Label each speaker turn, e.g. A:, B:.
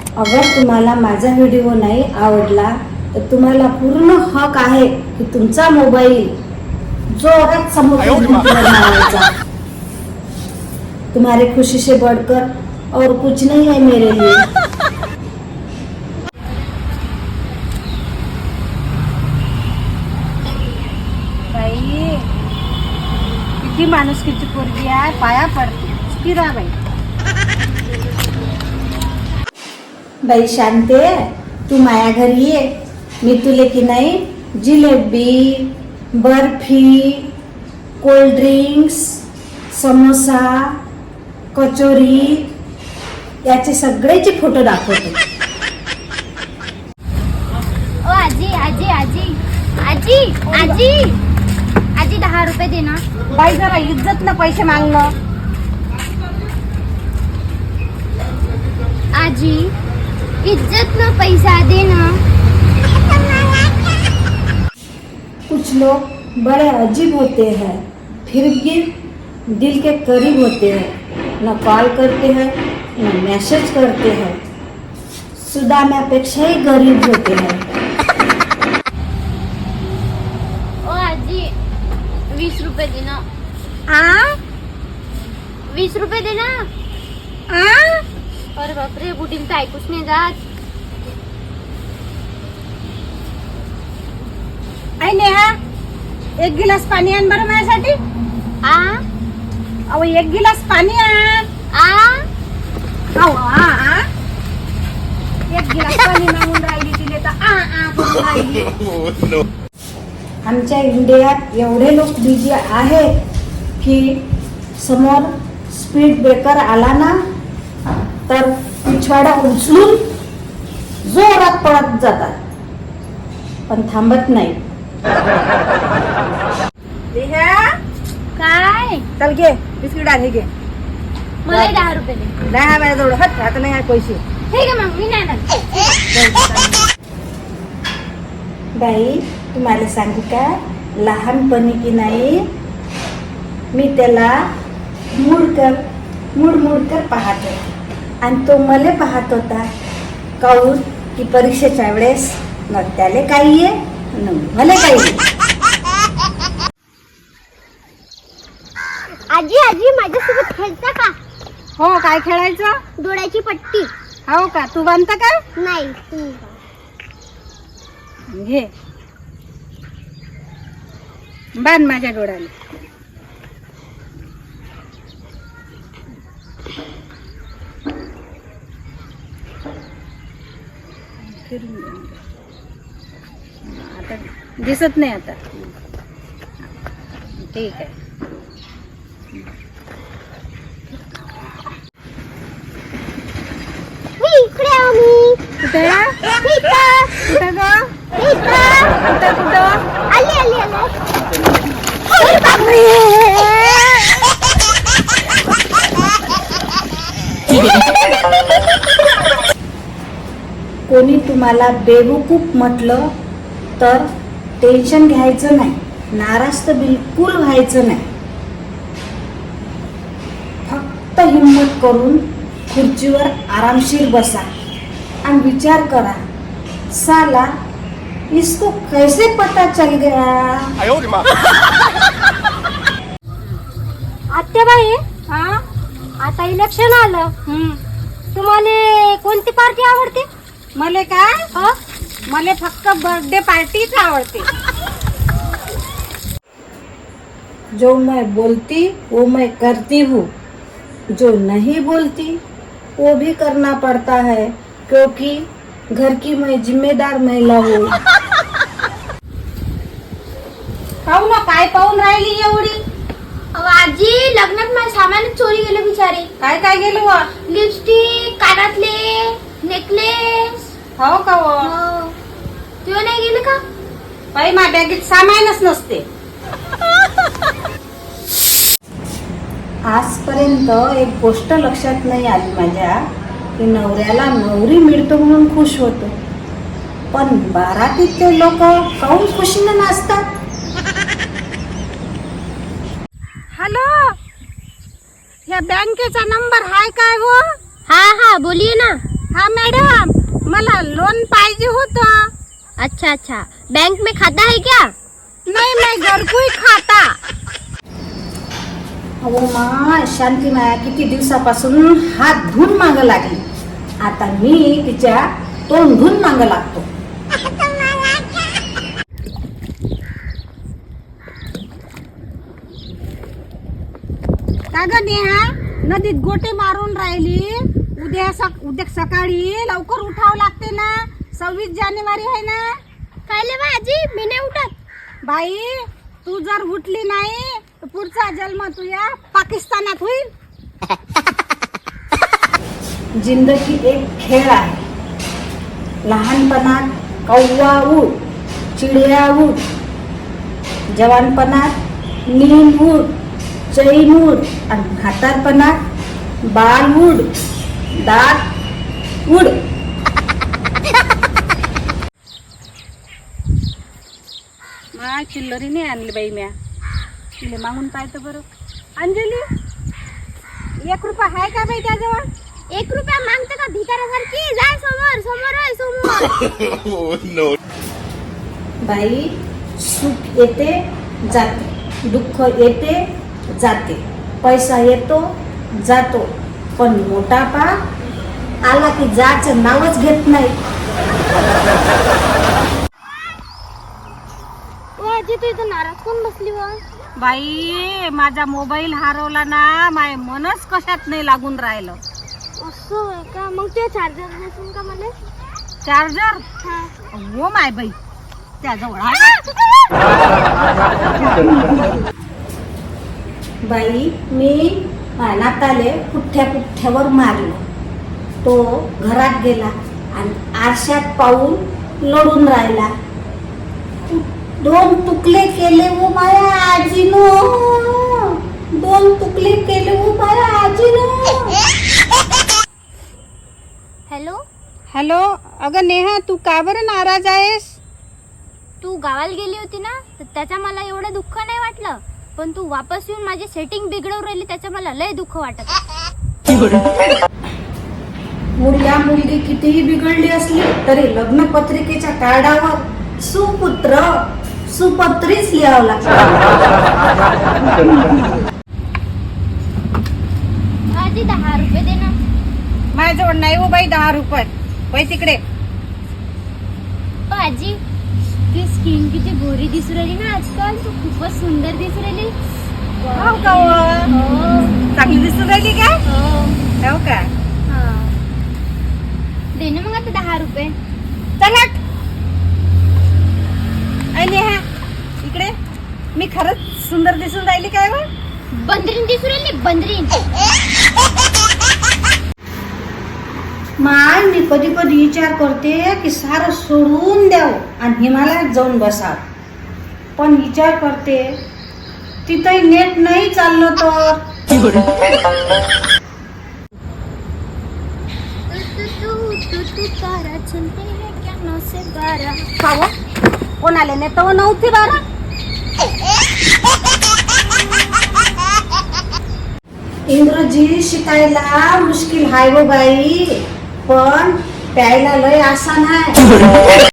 A: अगर तुम्हाला माझा व्हिडिओ नाही आवडला तर तुम्हाला पूर्ण हक आहे की तुमचा मोबाईल जोरात समोर लावायचा. तुम्हारी खुशी से बढ़कर और कुछ नहीं है मेरे लिए.
B: बाई किती माणूस किती पोरगी आहे, पाया पडते फिरा बाई.
A: बाई शांते, तू माया घरी ये. मी तुले की नाही जिलेबी, बर्फी, कोल्ड ड्रिंक्स, समोसा, कचोरी याचे सगळेचे फोटो दाखवते.
C: ओ आजी आजी आजी आजी आजी आजी 10 रुपये दे ना.
B: बाई जरा इज्जत ना पैसे मागणं.
C: आजी इज्जत ना पैसा दे ना.
A: कुछ लोग बड़े अजीब होते हैं फिर भी दिल के करीब होते हैं. न कॉल करते हैं न मैसेज करते हैं. सुदाम्यापेक्षाही गरीब होते हैं.
C: ओ आजी 20 रुपये दे ना. 20 रुपये दे ना. अरे बापरे, बुडील तर ऐकूच नाही जात.
B: आई नेहा, एक गिलास पाणी आण बरं माझ्यासाठी. अहो एक गिलास पाणी आण. एक गिलास पाणी मागून राहिली तिले तर करून राहिली.
A: आमच्या इंडियात एवढे लोक बिझी आहेत की समोर स्पीड ब्रेकर आला ना तर पिछवाडा उचलून जोरात पळत जातात पण थांबत नाही.
B: नेहा,
C: काय
B: चल घे बिस्किट आण. हे घे.
C: मला 10 रुपये दे.
B: नाही माझ्याजवळ हट, आता नाही आहे पैसे.
C: ठीक आहे मग मी नाही आणत.
A: बाई तुम्हाला सांगू का, लहानपणी की नाही मी त्याला मुडकर पाहत होते आणि तो मला पाहत होता. काऊन की परीक्षेच्या वेळेस न त्याला काही आहे न मला काही आहे.
C: आजी आजी माझ्यासोबत खेळता का?
B: हो, काय खेळायचं?
C: डोळ्याची पट्टी.
B: हो का, तू बांधता का?
C: नाही तुम्ही.
B: घे बांध माझ्या डोळ्याला. आता दिसत नाही आता. ठीक आहे.
C: इकडे आम्ही.
B: कुठे कुठे ग? कुठं
C: आली आली आली.
A: कोणी तुम्हाला बेवकूफ म्हटलं तर टेन्शन घ्यायचं नाही. नाराज तर बिलकुल व्हायचं नाही. फक्त हिम्मत करून खुर्चीवर आरामशीर बसा आणि विचार करा, साला इसको कैसे पता चल गया.
C: आत्याबाई, आता इलेक्शन आलं. तुम्हाला कोणती पार्टी आवडते?
B: मला काय, मला फक्त बर्थडे पार्टीच आवडते.
A: जो मैं बोलती वो मैं करती हूँ, जो नहीं बोलती वो भी करना पड़ता है क्योंकि घर की मैं जिम्मेदार महिला हूँ.
B: पाहू ना काय पाहून राहिली एवढी.
C: आजी लग्नात माझं सामानच चोरी गेलं बिचारी.
B: काय काय गेलो व?
C: लिपस्टिक, कानातले, नेकलेस.
B: हो का व?
C: तुला नाही गेलं का?
B: बाई माझ्या बॅगेत सामानच नसते.
A: आजपर्यंत एक गोष्ट लक्षात नाही आली माझ्या की नवऱ्याला नवरी मिळतो म्हणून खुश होतो, पण बारातीत ते लोक काहून खुशीनं नाचतात.
B: हॅलो, या बँकेचा नंबर हाय काय हो?
C: हाँ हाँ बोलिए ना.
B: हा मॅडम, मला लोन पाहिजे होतं.
C: अच्छा अच्छा, बैंक में खाता है क्या?
B: नाही, मैं घर कोई खाता.
A: अहो माय, शांती माया किती दिवसापासून हात धुवून मागं लागली. आता मी तिच्या तोंड धुवून मागं लागतो.
B: का ग नेहा, नदीत गोटे मारून राहिली. उद्या सकाळी लवकर उठावं लागते ना. 26 जानेवारी आहे ना.
C: कायले बा आजी, मी नाही उठत.
B: बाई, तू जर उठली नाही तर पुढचा जन्म तुझ्या पाकिस्तानात होईल.
A: जिंदगी एक खेळ आहे. लहानपणात कौवा उड, चिडिया उड. जवानपणात नीम उड, चैन उड. आणि म्हातारपणात बाल उड, दात उड.
B: मा चिल्लरी नाही आणली बाई म्या. तिले मागून पाहतो बरं. अंजली, 1 रुपया आहे का बाई त्याजवळ?
C: 1 रुपया मागते का भिकाऱ्यासारखी? जाय समोर, समोर आहे समोर.
A: बाई, सुख येते जाते, दुःख येते जाते, पैसा येतो जातो, पण मोठापा आला की जायचं नावच घेत नाही.
C: आजी, तू इथं नाराज कोण बसली व?
B: बाई, माझा मोबाईल हरवला ना. माय मनच कशात नाही लागून राहिलं.
C: असं आहे का? मग ते चार्जर नसून का मला?
B: चार्जर?
C: हा.
B: हो माय बाई, त्याजवळ आहे.
A: बाई, मी नाताले पुठ्ठ्यावर मारलो. तो घरात गेला आणि आरशात पाहून लढून राहिला. 2 तुकडे केले वो माया आजीनो, 2 तुकडे केले वो माया आजीनो.
C: Hello,
B: hello. अगं नेहा, तू का बरं नाराज आहेस?
C: तू गावाला गेली होती ना, तर त्याचा मला एवढं दुःख नाही वाटलं. पण तू वापस येऊन माझी सेटिंग बिघडवून राहिली, त्याचं मला लय दुःख वाटत.
A: मुलगा मुलगी कितीही बिघडली असली तरी लग्न पत्रिकेच्या कार्डावर सुपुत्र सुपत्रीच लिहावं लागतं.
C: आजी, 10 रुपये दे ना.
B: माझ्याजवळ नाही हो बाई 10 रुपये. बाई तिकडे.
C: आजी, ती स्किन किती गोरी दिसू राहिली ना आजकाल. तू खूपच सुंदर दिसू राहिली.
B: हो का? चांगली दिसून राहिली का? हो का?
C: हा. दे ना मग आता 10 रुपये.
B: चला. नेहा, इकडे. मी खरंच सुंदर दिसून राहिली काय व?
C: बंदरीन दिसू राहिली, बंदरीन.
A: माय, मी कधी कधी विचार करते की सारं सोडून द्यावं आणि हिमालयात जाऊन बसावं. पण विचार करते तिथंही नेट नाही चाललं तर.
B: खाव कोणाले नेतो नव्हती बारा.
A: इंग्रजी शिकायला मुश्किल हाय गो बाई, पण प्यायला लय आसान आहे.